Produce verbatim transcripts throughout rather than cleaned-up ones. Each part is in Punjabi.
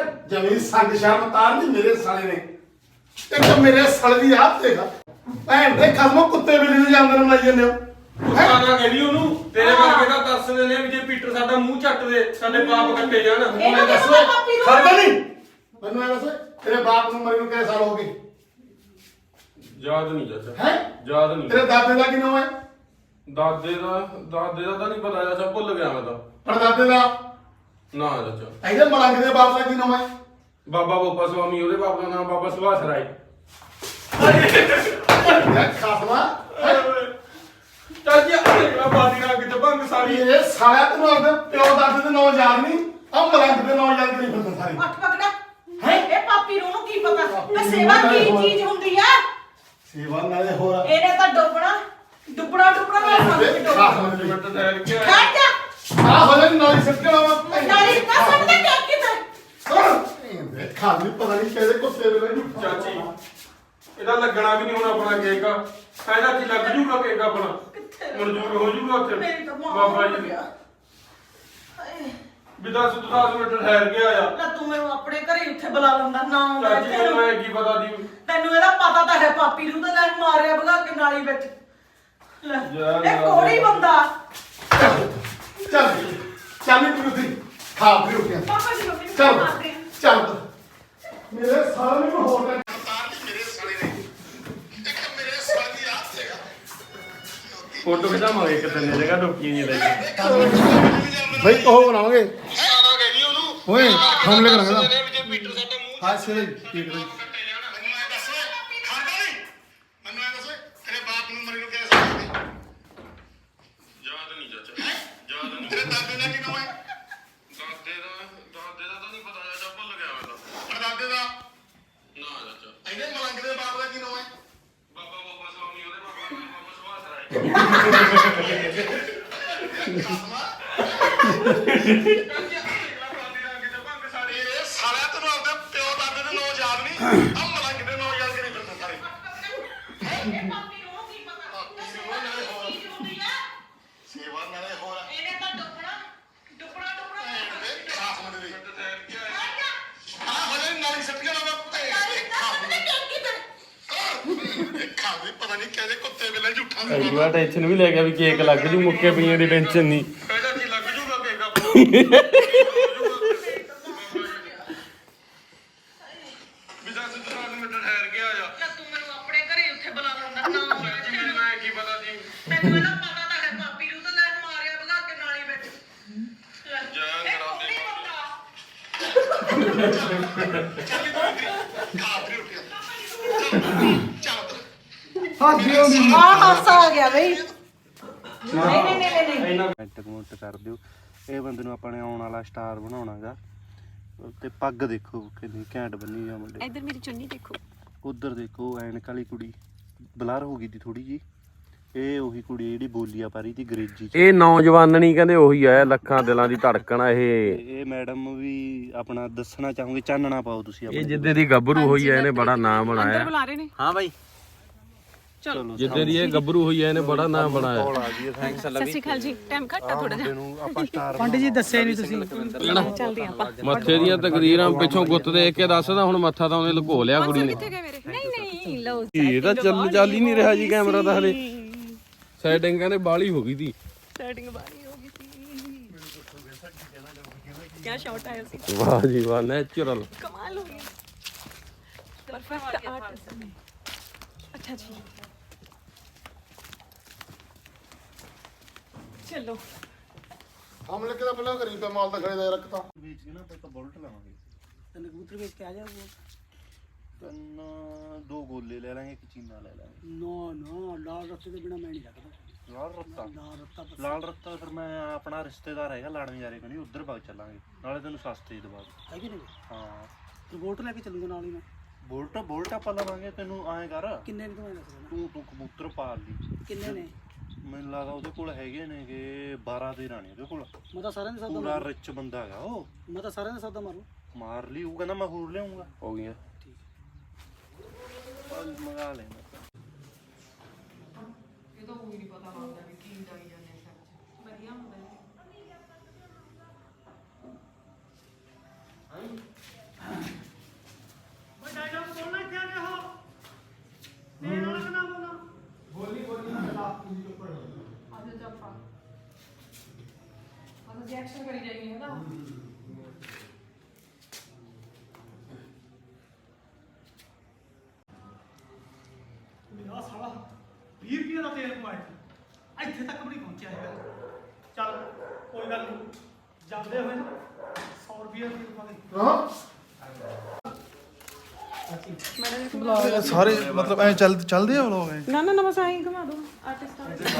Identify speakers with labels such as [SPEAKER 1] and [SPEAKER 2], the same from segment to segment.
[SPEAKER 1] जमी संग शर्म तार दी मेरे साले ने एक तो मेरे साले दी हाथ देखा भैन दे खसमो कुत्ते बिल्ली ਨੂੰ ਜਾਂਦੇ ਨੂੰ ਲਾਈ ਜਾਂਦੇ ਹੋ
[SPEAKER 2] ਸਾਡਾ ਕਹਿੰਦੀ ਉਹਨੂੰ ਤੇਰੇ ਵਰਗੇ ਦਾ ਤਰਸਦੇ ਨੇ ਵੀ ਜੇ ਪੀਟਰ ਸਾਡਾ ਮੂੰਹ ਚੱਟ ਦੇ ਸਾਡੇ ਪਾਪ ਕੱਟੇ ਜਾਣ
[SPEAKER 1] ਉਹਨੇ ਦੱਸੋ ਖੜਦਾ ਨਹੀਂ ਮੈਨੂੰ ਇਹ ਦੱਸ ਤੇਰੇ ਬਾਪ ਨੂੰ ਮਰੇ ਨੂੰ ਕਿੰਨੇ ਸਾਲ ਹੋ ਗਏ
[SPEAKER 2] ਯਾਦ ਨਹੀਂ ਚਾਚਾ
[SPEAKER 1] ਹੈ
[SPEAKER 2] ਯਾਦ ਨਹੀਂ
[SPEAKER 1] ਤੇਰੇ ਦਾਦੇ ਦਾ ਕੀ ਨਾਮ ਹੈ
[SPEAKER 2] ਦਾਦੇ ਦਾ ਦਾਦੇ ਦਾ ਤਾਂ ਨਹੀਂ ਪਤਾ ਚਾਚਾ ਭੁੱਲ ਗਿਆ ਮੈਂ ਤਾਂ
[SPEAKER 1] ਪੜਦਾਦੇ ਦਾ
[SPEAKER 2] ਨਾ ਚਾਚਾ
[SPEAKER 1] ਇਹਦੇ ਮਲੰਗ ਦੇ ਬਾਪ ਦਾ ਕੀ ਨਾਮ ਹੈ
[SPEAKER 2] ਬਾਬਾ ਗੋਪਾ ਸਵਾਮੀ ਉਹਦੇ ਬਾਪ ਦਾ ਨਾਮ ਬਾਬਾ ਸੁਭਾਸ਼ ਰਾਏ
[SPEAKER 1] ਯਾਰ ਖਾਸਮਾ
[SPEAKER 2] ਚਾਚਾ ਅਗਲਾ ਬਾਦੀ ਨਾਲ ਕਿਤੇ ਭੰਗ ਸਾਰੀ
[SPEAKER 1] ਇਹ ਸਾਲਿਆ ਤੈਨੂੰ ਆਪਦੇ ਪਿਓ ਦਾਦੇ ਦੇ ਨਾਮ ਯਾਦ ਨਹੀਂ ਆ ਮਲੰਗ ਦੇ ਨਾਮ ਯਾਦ ਕਰੀ ਫਿਰਦਾ ਸਾਰੇ
[SPEAKER 3] ਅੱਠ ਪਕੜਾ ਹੈ ਇਹ ਪਾਪੀ ਨੂੰ ਕੀ ਪਤਾ ਤੇ ਸੇਵਾ ਕੀ ਚੀਜ਼ ਹੁੰਦੀ ਆ
[SPEAKER 1] ਸੇਵਾ ਨਾਲੇ ਹੋਰ
[SPEAKER 3] ਇਹਨੇ ਤਾਂ ਡੁੱਬਣਾ ਡੁੱਬਣਾ ਡੁੱਬਣਾ ਨਾ ਸਮਝ
[SPEAKER 1] ਖਾਸਮਾ ਦੇ
[SPEAKER 2] ਮਿੰਟ ਠਹਿਰ ਕੇ ਆਇਆ।
[SPEAKER 3] ਖੜ ਜਾ
[SPEAKER 1] ਆ ਹੋ ਜਾਣੀ ਨਾਲੀ ਸਿੱਟ ਕੇ ਲਾਵਾ
[SPEAKER 3] ਨਾਲੀ ਨਾ ਸਮਝਦਾ ਕਿ ਕਿਤੇ
[SPEAKER 1] ਦੇਖਾ ਨਹੀਂ ਪਤਾ ਨਹੀਂ ਕਿਹਦੇ ਕੁੱਤੇ ਵੇਲੇ ਨੂੰ
[SPEAKER 2] ਚਾਚੀ ਇਹਦਾ ਲੱਗਣਾ ਵੀ ਨਹੀਂ ਹੁਣ ਆਪਣਾ ਕੇਕ ਇਹਦਾ ਕੀ ਲੱਗ ਜੂਗਾ ਕੇਕ ਆਪਣਾ ਮਨਜ਼ੂਰ ਹੋ ਜੂਗਾ ਉੱਥੇ
[SPEAKER 3] ਮੇਰੀ ਤਾਂ ਮਾਂ
[SPEAKER 2] ਬਾਬਾ ਜੀ
[SPEAKER 3] ਗਿਆ।
[SPEAKER 2] ਵੀ ਦਸ ਦਸ ਮਿੰਟ ਠਹਿਰ ਕੇ ਆਇਆ
[SPEAKER 3] ਨਾ ਤੂੰ ਮੈਨੂੰ ਆਪਣੇ ਘਰੇ ਉੱਥੇ ਬੁਲਾ ਲੈਂਦਾ ਨਾ ਆਉਂਦਾ
[SPEAKER 2] ਚਾਚੀ
[SPEAKER 3] ਇੱਥੇ
[SPEAKER 2] ਨੂੰ
[SPEAKER 3] ਨੂੰ।
[SPEAKER 2] ਮੈਂ ਕੀ ਪਤਾ ਦੀ
[SPEAKER 3] ਤੈਨੂੰ ਇਹਦਾ ਪਤਾ ਤਾਂ ਹੈ ਪਾਪੀ ਨੂੰ ਤਾਂ ਲੈ ਮਾਰਿਆ ਭਗਾ ਕੇ ਨਾਲੀ ਵਿੱਚ ਲੈ,
[SPEAKER 2] ਯਾਰ
[SPEAKER 3] ਇਹ ਕੋੜੀ ਬੰਦਾ
[SPEAKER 1] ਚੱਲ ਚੱਲ ਨਹੀਂ ਪੁੱਤੀ ਖਾ ਵੀ ਰੁਕਿਆ
[SPEAKER 3] ਪਾਪਾ ਜੀ ਮੰਮੀ ਨੂੰ
[SPEAKER 1] ਚੱਲ
[SPEAKER 3] ਮਾਰਦੇ ਆ।
[SPEAKER 1] ਚੱਲ ਮੇਰੇ ਸਾਲੇ ਨੂੰ ਹੋਰ ਨਾ ਤਾਰ ਦੀ ਮੇਰੇ ਸਾਲੇ ਨੇ ਇੱਕ ਮੇਰੇ ਸਾਲੇ ਦੀ ਆਪ ਸੀਗਾ
[SPEAKER 2] ਫੋਟੋ ਖਿਚਾਵਾਂਗੇ ਇੱਕ ਤੰਨੇ ਜਗ੍ਹਾ ਡੁੱਕੀ ਨਹੀਂ ਲੈ ਕੇ
[SPEAKER 1] ਭਾਈ ਉਹ ਬਣਾਵਾਂਗੇ
[SPEAKER 2] ਸਾਡਾ ਕਹਿ ਰਹੀ ਉਹਨੂੰ
[SPEAKER 1] ਓਏ ਹਮਲੇ ਕਰਾਂਗੇ
[SPEAKER 2] ਜੇ ਪੀਟਰ ਸਾਡਾ ਮੂੰਹ
[SPEAKER 1] ਹਾਂ ਸਿਰੇ ਠੀਕ ਹੈ
[SPEAKER 2] ਮੈਨੂੰ ਐ ਦੱਸ
[SPEAKER 1] ਖਾਂਦਾ ਨਹੀਂ ਮੈਨੂੰ ਇਹ ਦੱਸ ਤੇਰੇ ਬਾਪ ਨੂੰ ਮਰੇ ਨੂੰ ਕਿਹਨੇ ਸਾਲ ਹੋ ਗਏ
[SPEAKER 2] ਯਾਦ ਨਹੀਂ ਚਾਚਾ ਯਾਦ ਨਹੀਂ
[SPEAKER 1] ਤੇਰੇ ਦਾਦੇ ਦਾ ਕੀ ਨਾਮ ਹੈ
[SPEAKER 2] ਦਾਦੇ ਦਾ ਦਾਦੇ ਦਾ ਤਾਂ ਨਹੀਂ ਪਤਾ ਚਾਚਾ ਭੁੱਲ ਗਿਆ ਮੈਂ ਤਾਂ
[SPEAKER 1] ਪੜਦਾਦੇ ਦਾ
[SPEAKER 2] ਨਾ ਚਾਚਾ
[SPEAKER 1] ਇਹਦੇ ਮਲੰਗ ਦੇ ਬਾਪ ਦਾ ਕੀ ਨਾਮ ਹੈ
[SPEAKER 2] ਬਾਬਾ ਗੋਪਾ ਸਵਾਮੀ ਉਹਦੇ ਬਾਬਾ ਦਾ ਨਾਮ ਬਾਬਾ ਸੁਭਾਸ਼ ਰਾਏ
[SPEAKER 1] ਇਹ ਸਾਲਿਆ ਤੈਨੂੰ ਆਪਦੇ ਪਿਓ ਦਾਦੇ ਦੇ ਨਾਮ ਯਾਦ ਨਹੀਂ ਆ ਮਲੰਗ ਦੇ ਨਾਮ ਯਾਦ ਕਰੀ ਫਿਰਦਾ ਸਾਰੇ
[SPEAKER 3] ਇਹ ਪਾਪੀ ਨੂੰ ਕੀ ਪਤਾ ਤੇ ਸੇਵਾ ਕੀ ਚੀਜ਼ ਹੁੰਦੀ ਆ
[SPEAKER 1] ਸੇਵਾ ਨਾਲੇ ਹੋਰ
[SPEAKER 3] ਇਹਨੇ ਤਾਂ ਡੁੱਬਣਾ ਡੁੱਬਣਾ ਡੁੱਬਣਾ
[SPEAKER 1] ਖਾਸ ਮੁੰਡੇ ਦੀ
[SPEAKER 2] ਮਿੰਟ ਠਹਿਰ ਕੇ ਆਇਆ
[SPEAKER 3] ਖੜ ਜਾ
[SPEAKER 1] ਆ ਹੋ ਜਾਣੀ ਨਾਲੀ ਸਿੱਟ ਕੇ ਲਾਵਾ
[SPEAKER 3] ਨਾਲੀ ਨਾ ਸਮਝਦਾ ਕਿ ਕਿਤੇ
[SPEAKER 1] ਖਾ ਵੀ ਪਤਾ ਨਹੀਂ ਕਿਹਦੇ ਕੁੱਤੇ ਵੇਲੇ ਝੂਠਾ
[SPEAKER 2] ਐਡਵਾ ਟੈਨਸ਼ਨ ਵੀ ਲੈ ਗਿਆ ਵੀ ਕੇਕ ਲੱਗ ਜੂ ਮੁੱਕੇ ਪਈਆਂ ਦੀ ਟੈਨਸ਼ਨ ਨਹੀਂ ਇਹਦਾ ਕੀ ਲੱਗ ਜੂਗਾ ਕੇਕ ਆਪਣਾ ਵੀ ਦਸ ਦਸ ਮਿੰਟ ਠਹਿਰ ਕੇ ਆਇਆ
[SPEAKER 3] ਨਾ ਤੂੰ ਮੈਨੂੰ ਆਪਣੇ ਘਰੇ ਉੱਥੇ ਬੁਲਾ ਲੈਂਦਾ ਨਾ ਆਉਂਦਾ ਇੱਥੇ
[SPEAKER 2] ਚਾਚੀ
[SPEAKER 3] ਨੂੰ।
[SPEAKER 2] ਮੈਂ ਕੀ ਪਤਾ ਦੀ
[SPEAKER 3] ਤੈਨੂੰ ਇਹਦਾ ਪਤਾ ਤਾਂ ਹੈ ਪਾਪੀ ਨੂੰ ਤਾਂ ਲੈ ਮਾਰਿਆ ਭਗਾ ਕੇ ਨਾਲੀ ਵਿੱਚ ਲੈ,
[SPEAKER 2] ਜਾਨ
[SPEAKER 3] ਇਹ
[SPEAKER 2] ਕਰਾ ਦੇ
[SPEAKER 3] ਕੋੜੀ ਬੰਦਾ
[SPEAKER 1] ਚੱਲ ਤੂੰ ਖਾ ਵੀ ਰੁਕਿਆ ਚੱਲ
[SPEAKER 3] ਆ ਹਾਸਾ ਆ ਗਿਆ ਬਈ ਨਹੀਂ ਨਹੀਂ ਨਹੀਂ ਨਹੀਂ
[SPEAKER 4] ਕਮੈਂਟ ਕਮੈਂਟ ਕਰ ਦਿਓ ਇਹ ਬੰਦੇ ਨੂੰ ਆਪਾਂ ਨੇ ਆਉਣ ਵਾਲਾ ਸਟਾਰ ਬਣਾਉਣਾਗਾ ਤੇ ਪੱਗ ਦੇਖੋ ਕਿੰਨੀ ਘੈਂਟ ਬੰਨੀ ਆ ਮੁੰਡੇ
[SPEAKER 5] ਇੱਧਰ ਮੇਰੀ ਚੁੰਨੀ ਦੇਖੋ
[SPEAKER 4] ਉਧਰ ਦੇਖੋ ਐਨਕ ਵਾਲੀ ਕੁੜੀ ਬਲਰ ਹੋ ਗਈ ਦੀ ਥੋੜੀ ਜੀ ਇਹ ਉਹੀ ਕੁੜੀ ਜਿਹੜੀ ਬੋਲੀਆ ਪਾਰੀ ਦੀ ਅੰਗਰੇਜ਼ੀ ਚ
[SPEAKER 6] ਇਹ ਨੌਜਵਾਨ ਨਹੀਂ ਕਹਿੰਦੇ ਉਹੀ ਆ ਲੱਖਾਂ ਦਿਲਾਂ ਦੀ ਧੜਕਣ ਆ ਇਹ
[SPEAKER 4] ਤੇ ਇਹ ਮੈਡਮ ਵੀ ਆਪਣਾ ਦੱਸਣਾ ਚਾਹੋਗੇ ਚਾਨਣਾ ਪਾਓ ਤੁਸੀਂ
[SPEAKER 6] ਇਹ
[SPEAKER 4] ਆਪਣੇ
[SPEAKER 6] ਜਿੱਦੇ ਦੀ ਗੱਭਰੂ ਹੋਈ ਆ ਇਹਨੇ ਬੜਾ ਨਾਮ
[SPEAKER 5] ਅੰਦਰ
[SPEAKER 6] ਬਣਾਇਆ
[SPEAKER 5] ਬੁਲਾ ਰਹੇ ਨੇ
[SPEAKER 4] ਹਾਂ ਬਾਈ
[SPEAKER 5] ਚਲੋ
[SPEAKER 6] ਜਿੱਦੇ ਦੀ ਇਹ ਗੱਭਰੂ ਹੋਈ ਆ ਇਹਨੇ ਬੜਾ ਨਾਮ ਬਣਾਇਆ
[SPEAKER 4] ਕਾਲ ਆ ਗਈ ਥੈਂਕਸ
[SPEAKER 5] ਸਤਿ ਸ਼੍ਰੀ ਅਕਾਲ ਜੀ ਟਾਈਮ ਘੱਟ ਆ ਥੋੜਾ ਜਿਹਾ
[SPEAKER 4] ਨੂੰ ਆਪਾਂ ਸਟਾਰ
[SPEAKER 7] ਪੰਡਿਤ ਜੀ ਦੱਸਿਆ ਨਹੀਂ ਤੁਸੀਂ
[SPEAKER 5] ਚੱਲਦੇ ਆਪਾਂ
[SPEAKER 6] ਮੱਥੇ ਦੀਆਂ ਤਕਰੀਰਾਂ ਪਿੱਛੋਂ ਗੁੱਤ ਦੇਖ ਕੇ ਦੱਸਦਾ ਹੁਣ ਮੱਥਾ ਤਾਂ ਉਹਨੇ ਲੁਕੋ ਲਿਆ ਕੁੜੀ ਨੇ
[SPEAKER 5] ਕਿੱਥੇ ਗਏ ਮੇਰੇ ਨਹੀਂ ਨਹੀਂ ਲਓ
[SPEAKER 6] ਇਹ ਤਾਂ ਚੱਲ ਚੱਲ ਹੀ ਨਹੀਂ ਰਿਹਾ ਜੀ ਕੈਮਰਾ ਤਾਂ ਹਲੇ ਸੈਟਿੰਗ ਕਹਿੰਦੇ ਬਾਲੀ ਹੋ ਗਈ ਸੀ
[SPEAKER 5] ਸੈਟਿੰਗ ਬਾਰੀ ਹੋ ਗਈ ਸੀ ਕੀ ਸ਼ਾਟ ਆਇਆ ਸੀ
[SPEAKER 6] ਵਾਹ ਜੀ ਵਾਹ ਨੈਚੁਰਲ
[SPEAKER 5] ਕਮਾਲ ਹੋ ਗਈ ਪਰਫੈਕਟ ਆਰਟ ਅੱਛਾ ਜੀ ਚਲੋ
[SPEAKER 1] ਹਮਲੇ ਕਿਦਾ ਪਹਿਲਾਂ ਕਰੀ ਪਿਆ ਮਾਲ ਤਾਂ ਖੜੇ ਦਾ ਰੱਖਤਾ
[SPEAKER 4] ਵੇਚ ਕੇ ਨਾ ਆਪਾਂ ਬੁਲਟ ਲਾਵਾਂਗੇ
[SPEAKER 7] ਤੈਨੂੰ ਕਬੂਤਰ ਵੇਚ ਕੇ ਆ ਜਾ
[SPEAKER 4] ਤਿੰਨ ਦੋ ਗੋਲੇ ਲੈ ਲਾਂਗੇ ਇੱਕ ਚੀਨਾ ਲੈ ਲਾਂਗੇ
[SPEAKER 7] ਨੋ ਨੋ ਲਾਲ ਰੱਤੇ ਦੇ ਬਿਨਾ ਮੈਂ ਨਹੀਂ ਰੱਖਦਾ
[SPEAKER 4] ਲਾਲ ਰੱਤਾ
[SPEAKER 7] ਲਾਲ ਰੱਤਾ ਬਸ।
[SPEAKER 4] ਲਾਲ ਰੱਤਾ ਫਿਰ ਮੈਂ ਆਪਣਾ ਰਿਸ਼ਤੇਦਾਰ ਹੈਗਾ ਲਾੜਵੇਂ ਜਾਰੇ ਕਣੀ ਉਧਰ ਬਾਗ ਚੱਲਾਂਗੇ ਨਾਲੇ ਤੈਨੂੰ ਸਸਤੇ ਹੀ ਦਵਾ ਦੂੰ।
[SPEAKER 7] ਹੈ ਕਿ ਨਹੀਂ
[SPEAKER 4] ਹਾਂ
[SPEAKER 7] ਤੇ ਵੋਟ ਲੈ ਕੇ ਚੱਲੂਗਾ ਨਾਲ ਹੀ ਮੈਂ
[SPEAKER 4] ਬੁਲਟ ਬੁਲਟ ਆਪਾਂ ਲਵਾਂਗੇ ਤੈਨੂੰ ਐਂ ਕਰ
[SPEAKER 7] ਕਿੰਨੇ ਨੇ ਤੁਹਾਨੂੰ ਦੱਸ ਦੇਣਾ
[SPEAKER 4] ਤੂੰ ਤੂੰ ਕਬੂਤਰ ਪਾਲ ਲਈ
[SPEAKER 7] ਕਿੰਨੇ ਨੇ
[SPEAKER 4] ਮੈਨੂੰ ਲੱਗਦਾ ਉਹਦੇ ਕੋਲ ਹੈਗੇ ਨੇ ਕਿ ਬਾਰਾਂ ਦੇ ਰਾਣੇ ਉਹਦੇ ਕੋਲ
[SPEAKER 7] ਮੈਂ ਤਾਂ ਸਾਰਿਆਂ ਦੇ ਸੌਦਾ
[SPEAKER 4] ਪੂਰਾ
[SPEAKER 7] ਮਾਰੂ
[SPEAKER 4] ਰਿਚ ਬੰਦਾ ਹੈਗਾ ਉਹ
[SPEAKER 7] ਮੈਂ ਤਾਂ ਸਾਰਿਆਂ ਦੇ ਸੌਦਾ ਮਾਰੂ
[SPEAKER 4] ਮਾਰ ਲਈ ਉਹ ਕਹਿੰਦਾ ਮੈਂ ਹੋਰ ਲਿਆਉਂਗਾ
[SPEAKER 6] ਹੋ ਗਈਆਂ
[SPEAKER 4] ਚੱਲ ਮੰਗਾ ਲੈਣਾ
[SPEAKER 5] ਇਹ ਤਾਂ ਕੋਈ ਨਹੀਂ ਪਤਾ ਲੱਗਦਾ ਵੀ ਕੀ ਜਾਈ ਜਾਂਦੇ ਸੱਚ ਵਧੀਆ ਹੁੰਦਾ ਐਕਸ਼ਨ ਕਰੀ ਜਾਈਏ ਹੈ ਨਾ
[SPEAKER 7] ਆ ਸਾਲਾ ਵੀਹ ਰੁਪਏ ਦਾ ਤੇਲ ਪਵਾਇਆ ਇੱਥੇ ਤੱਕ ਵੀ ਨਹੀਂ ਪਹੁੰਚਿਆ ਹੈਗਾ ਚੱਲ ਕੋਈ ਗੱਲ ਨਹੀਂ ਜਾਂਦੇ ਹੋਏ ਸੌ ਰੁਪਏ ਦੀ ਪਾ ਦੇ
[SPEAKER 1] ਹਾਂ
[SPEAKER 8] ਸਾਰੇ ਮਤਲਬ ਐ ਚੱਲ ਚੱਲਦੇ ਆ ਵਲੋਗ ਐ
[SPEAKER 3] ਨਾ ਨਾ ਨਾ ਬਸ ਆਈ ਘੁਮਾ ਦੋ ਆਰਟਿਸਟ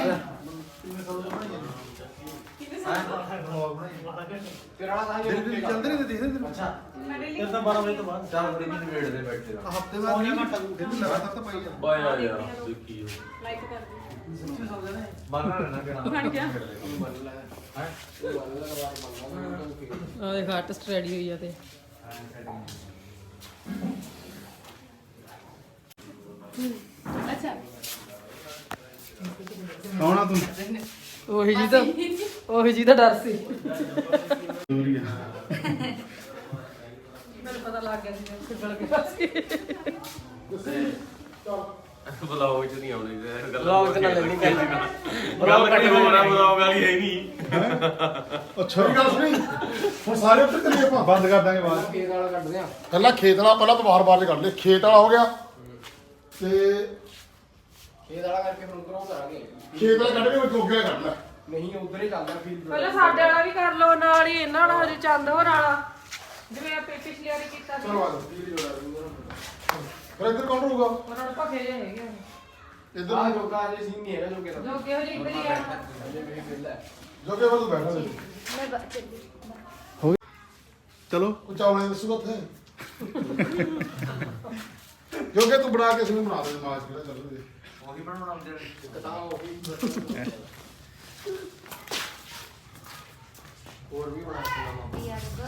[SPEAKER 8] ਚੱਲਦੇ ਨਹੀਂ ਦੇਖਦੇ ਤੈਨੂੰ
[SPEAKER 7] ਫਿਰ ਤਾਂ ਬਾਰਾਂ ਵਜੇ ਤੋਂ ਬਾਅਦ
[SPEAKER 8] ਹਫਤੇ ਬਾਅਦ ਨਹੀਂ ਘੰਟਾ ਦਿਨ ਲਗਾਤਾਰ ਤਾਂ ਪਾਈ ਜਾ
[SPEAKER 2] ਬਾਇਆ ਯਾਰ ਦੇਖੀ
[SPEAKER 3] ਲਾਈਕ ਕਰ ਦਿਓ
[SPEAKER 8] ਬਣ ਰਹਿਣਾ ਕਿਹੜਾ
[SPEAKER 3] ਬਣ ਗਿਆ
[SPEAKER 5] ਆ ਦੇਖ ਆਰਟਿਸਟ ਰੈਡੀ ਹੋਈ ਆ ਤੇ ਅੱਛਾ
[SPEAKER 8] ਕੌਣ ਆ ਤੂੰ
[SPEAKER 5] ਉਹੀ ਜੀ ਤਾਂ ਉਹੀ ਜੀ ਦਾ ਡਰ ਸੀ
[SPEAKER 8] ਦੂਰੀ ਆ
[SPEAKER 5] ਮੈਨੂੰ ਪਤਾ ਲੱਗ ਗਿਆ ਸੀ ਫਿਰ ਬਲ ਗਿਆ ਸੀ
[SPEAKER 2] ਬਲੌਗ ਚ ਨਹੀਂ ਆਉਣੀ ਗੱਲ
[SPEAKER 6] ਬਲੌਗ ਚ ਨਾ ਲੈਣੀ ਗੱਲ
[SPEAKER 2] ਗੱਲ ਕੱਟੀ ਹੋਣਾ ਬਲੌਗ ਵਾਲੀ ਹੈ ਨਹੀਂ
[SPEAKER 1] ਅੱਛਾ ਵੀ ਗੱਲ ਸੁਣੀ ਹੁਣ ਸਾਰੇ ਉੱਤੇ ਕਰੀਏ ਆਪਾਂ
[SPEAKER 8] ਬੰਦ ਕਰ ਦਾਂਗੇ ਬਾਅਦ
[SPEAKER 6] ਖੇਤ ਵਾਲਾ ਕੱਢਦੇ ਆ
[SPEAKER 1] ਪਹਿਲਾਂ ਖੇਤ ਵਾਲਾ ਪਹਿਲਾਂ ਬਾਹਰ ਬਾਹਰ ਚ ਕੱਢ ਲਏ ਖੇਤ ਵਾਲਾ ਹੋ ਗਿਆ ਤੇ
[SPEAKER 6] ਖੇਤ ਵਾਲਾ ਕਰਕੇ ਹੁਣ ਕਰੋ ਕਰਾਂਗੇ
[SPEAKER 1] ਖੇਤ ਵਾਲਾ ਕੱਢ ਕੇ ਵਿੱਚ ਗੋਗਿਆ ਕੱਢ ਲੈ
[SPEAKER 6] ਨਹੀਂ ਉਧਰ ਹੀ ਚੱਲਦਾ ਫੀਲ
[SPEAKER 3] ਪਹਿਲਾਂ ਸਾਡੇ ਵਾਲਾ ਵੀ ਕਰ ਲਓ ਨਾਲ ਹੀ ਇਹਨਾਂ ਨਾਲ ਹਜੇ ਚੰਦ ਹੋਰ ਵਾਲਾ ਜਿਵੇਂ ਆਪੇ ਪਿਛਲੀ ਵਾਰੀ ਕੀਤਾ ਸੀ
[SPEAKER 1] ਚਲੋ ਆ ਜਾਓ ਫਿਰ ਇੱਧਰ ਕੌਣ ਰਹੂਗਾ
[SPEAKER 3] ਉਹਨਾਂ ਨੂੰ ਭਖੇ ਜੇ ਹੈਗੇ
[SPEAKER 1] ਇੱਧਰ
[SPEAKER 6] ਆ ਜੋਗਾ ਅਜੇ ਸੀਨ ਨਹੀਂ ਹੈਗਾ ਜੋਗੇ ਦਾ
[SPEAKER 3] ਜੋ ਕਿਹੋ ਜਿਹੀ ਇੱਧਰ ਹੀ ਆ
[SPEAKER 6] ਅਜੇ ਵੀ ਵਿਹਲਾ ਹੈ।
[SPEAKER 1] ਜੋ ਕਿ ਤੂੰ ਬੈਠਾ ਦੇ
[SPEAKER 8] ਚਲੋ
[SPEAKER 1] ਕੁਝ ਆਉਣੇ ਦੱਸੂਗਾ ਉੱਥੇ ਜੋ ਕਿ ਤੂੰ ਬਣਾ ਕੇ ਸਾਨੂੰ ਬਣਾ ਦੇ ਮਾਸ ਕਿਹੜਾ ਚੱਲ ਰਿਹਾ
[SPEAKER 6] ਉਹੀ ਬਣਾਉਣਾ ਇੱਕ ਤਾਂ ਉਹੀ ਹੋਰ ਵੀ ਬਣਾ ਸਕਦਾ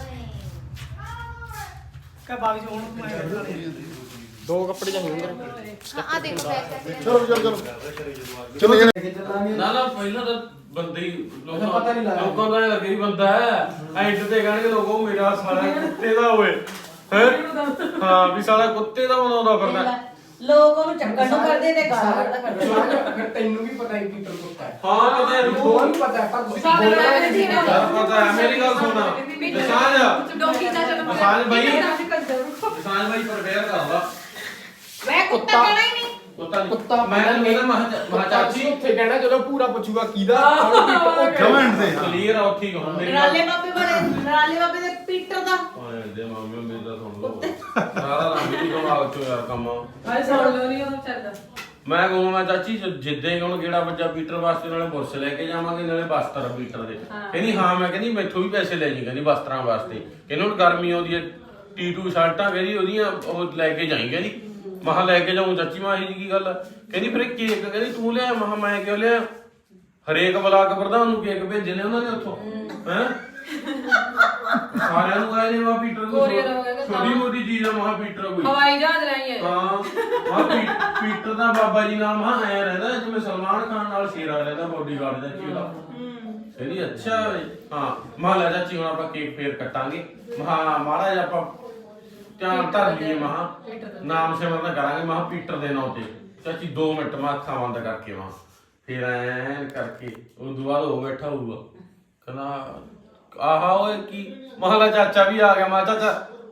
[SPEAKER 7] ਕਹ ਬਾਗ ਚ ਹੁਣ ਤੂੰ ਆਇਆ
[SPEAKER 6] ਦੋ ਕੱਪੜੇ ਚਾਹੀਦੇ ਹੁੰਦੇ
[SPEAKER 1] ਚਲੋ ਚਲੋ ਚਲੋ ਚਲੋ ਇਹ
[SPEAKER 2] ਨਾ ਨਾ ਪਹਿਲਾਂ ਤਾਂ ਬੰਦੇ ਹੀ ਲੋਕਾਂ
[SPEAKER 6] ਪਤਾ ਨਹੀਂ ਲੱਗਦਾ।
[SPEAKER 2] ਲੋਕਾਂ ਦਾ ਇਹ ਲੱਗੇ ਹੀ ਬੰਦਾ ਹੈ ਐਂਡ ਤੇ ਕਹਿਣਗੇ ਲੋਕ ਉਹ ਮੇਰਾ ਸਾਲਾ ਕੁੱਤੇ ਦਾ ਹੋਏ ਹੈ ਹਾਂ ਵੀ ਸਾਲਾ ਕੁੱਤੇ ਦਾ ਬਣਾਉਂਦਾ ਫਿਰਦਾ
[SPEAKER 3] ਲੋਕ ਉਹਨੂੰ ਚੱਕਣ ਨੂੰ ਕਰਦੇ ਤੇ ਗਾਲਾਂ ਕੱਢਦਾ ਕਰਦੇ
[SPEAKER 6] ਫਿਰ ਤੈਨੂੰ ਵੀ ਪਤਾ ਹੈ ਪੀਟਰ ਕੁੱਤਾ ਹੈ
[SPEAKER 2] ਹਾਂ ਪਤਾ ਹੈ
[SPEAKER 6] ਉਹ
[SPEAKER 2] ਮੈਨੂੰ
[SPEAKER 6] ਨਹੀਂ ਪਤਾ ਪਰ ਤੁਸੀਂ
[SPEAKER 3] ਸਾਡੇ
[SPEAKER 6] ਬੋਲਣਾ
[SPEAKER 3] ਵਾਲੇ
[SPEAKER 6] ਨਹੀਂ
[SPEAKER 3] ਦੀ
[SPEAKER 6] ਚਾਹੀਦਾ।
[SPEAKER 2] ਯਾਰ ਪਤਾ ਹੈ ਮੇਰੀ ਗੱਲ ਸੁਣ ਵਿਸਾਜ
[SPEAKER 3] ਡੋਕੀ ਚਾਚਾ ਨੂੰ
[SPEAKER 2] ਵਿਸਾਜ ਬਾਈ
[SPEAKER 3] ਵਿਸਾਜ
[SPEAKER 2] ਵਿਸਾਜ ਬਾਈ ਪ੍ਰਵੇਅਰ ਕਰਦਾ
[SPEAKER 3] ਵੇ ਕੁੱਤਾ ਕਹਿਣਾ ਹੀ ਨਹੀਂ
[SPEAKER 2] ਕੁੱਤਾ ਨਹੀਂ
[SPEAKER 6] ਕੁੱਤਾ
[SPEAKER 2] ਮੈਂ ਮੇਰਾ ਮਹਾ
[SPEAKER 6] ਚਾਚੀ
[SPEAKER 2] ਚਾਚੀ
[SPEAKER 6] ਉੱਥੇ ਕਹਿਣਾ ਜਦੋਂ ਪੂਰਾ ਪੁੱਛੂਗਾ ਕਿਹਦਾ
[SPEAKER 8] ਕਮੈਂਟ ਦੇ
[SPEAKER 2] ਕਲੀਅਰ ਆ ਉੱਥੇ ਹੁਣ ਮੇਰੀ ਗੱਲ
[SPEAKER 3] ਨਰਾਲੇ ਬਾਬੇ ਵਾਲੇ ਨਰਾਲੇ ਬਾਬੇ ਦੇ ਪੀਟਰ ਦਾ
[SPEAKER 2] ਓਏ ਦੇ ਮਾਮੇ ਮੇਰੀ ਤਾਂ ਸੁਣ ਲਓ ਸਾਰਾ ਰੰਗ ਹੀ ਦਿਮਾਗ ਚੋਂ ਯਾਰ ਕੰਮ
[SPEAKER 5] ਹਾਏ ਸੁਣ ਲਓ ਨਹੀਂ ਉਹ ਚੱਲਦਾ
[SPEAKER 2] ਮੈਂ ਕਹੂੰ ਮੈਂ ਚਾਚੀ ਜ- ਜਿੱਦਾਂ ਹੀ ਹੁਣ ਗੇੜਾ ਬੱਜਾ ਪੀਟਰ ਵਾਸਤੇ ਨਾਲੇ ਬੁਰਸ਼ ਲੈ ਕੇ ਜਾਵਾਂਗੇ ਨਾਲੇ ਬਸਤਰ ਪੀਟਰ ਦੇ ਕਹਿੰਦੀ ਹਾਂ ਮੈਂ ਕਹਿੰਦੀ ਮੈਥੋਂ ਵੀ ਪੈਸੇ ਲੈ ਜੀ ਕਹਿੰਦੀ ਬਸਤਰਾਂ ਵਾਸਤੇ ਕਹਿੰਦੀ ਹੁਣ ਗਰਮੀ ਆਉਂਦੀ ਹੈ ਟੀ-ਟੂ ਸ਼ਰਟਾਂ ਕਹਿੰਦੀ ਉਹਦੀਆਂ ਉਹ ਲੈ ਕੇ ਜਾਈ ਕਹਿੰਦੀ ਮਹਾ ਲੈ ਕੇ ਜਾਊਂ ਚਾਚੀ ਮਾਂ ਇਹ ਕੀ ਗੱਲ ਆ? ਕਹਿੰਦੀ ਫਿਰ ਇਹ ਕੇਕ ਕਹਿੰਦੀ ਤੂੰ ਲਿਆ ਮਹਾ ਮੈਂ ਕਿਉਂ ਲਿਆ ਹਰੇਕ ਬਲਾਕ ਪ੍ਰਧਾਨ ਨੂੰ ਕੇਕ ਭੇਜੇ ਨੇ ਉਹਨਾਂ ਨੇ ਉੱਥੋਂ ਹੈ ਸਾਰਿਆਂ ਨੂੰ ਆਏ ਨੇ ਮਾ ਪੀਟਰ ਨੂੰ
[SPEAKER 5] Courier ਹੋ ਗਿਆ ਕਿ
[SPEAKER 2] ਛੋਟੀ ਮੋਟੀ ਚੀਜ਼ ਆ ਮਹਾ ਪੀਟਰ ਕੋਈ
[SPEAKER 5] ਹਵਾਈ ਜਹਾਜ਼ ਰਾਹੀਂ ਹੈ
[SPEAKER 2] ਹਾਂ ਹਾਂ ਪੀ- ਪੀਟਰ ਦਾ ਬਾਬਾ ਜੀ ਨਾਮ ਹਾਂ ਐ ਰਹਿੰਦਾ ਜਿਵੇਂ ਸਲਮਾਨ ਖਾਨ ਨਾਲ ਸ਼ੇਰਾ ਰਹਿੰਦਾ ਬੋਡੀਗਾਰਡ ਦਾ ਚੀਲਾ ਕਹਿੰਦੀ ਅੱਛਾ ਵੇ। ਹਾਂ ਮਾਂ ਲੈ ਚਾਚੀ ਹੁਣ ਆਪਾਂ ਕੇਕ ਫੇਰ ਕੱਟਾਂਗੇ ਮਹਾ ਮਾੜਾ ਜਿਹਾ ਆਪਾਂ ਧਿਆਨ ਧਰ ਲਈਏ ਮਹਾ ਨਾਮ ਸਿਮਰਨ ਕਰਾਂਗੇ ਮਹਾ ਪੀਟਰ ਦੇ ਨਾਂ ਤੇ ਚਾਚੀ ਦੋ ਮਿੰਟ ਮੈਂ ਅੱਖਾਂ ਬੰਦ ਕਰਕੇ ਮਾ ਫੇਰ ਐਨ ਕਰਕੇ ਉਹ ਦੁਬਾਰਾ ਹੋ ਬੈਠਾ ਹੋਊਗਾ ਕਹਿੰਦਾ ਆਹਾ ਓਏ ਕੀ ਮਹਲਾ ਚਾਚਾ ਵੀ ਆ ਗਿਆ ਮਾ ਚਾਚਾ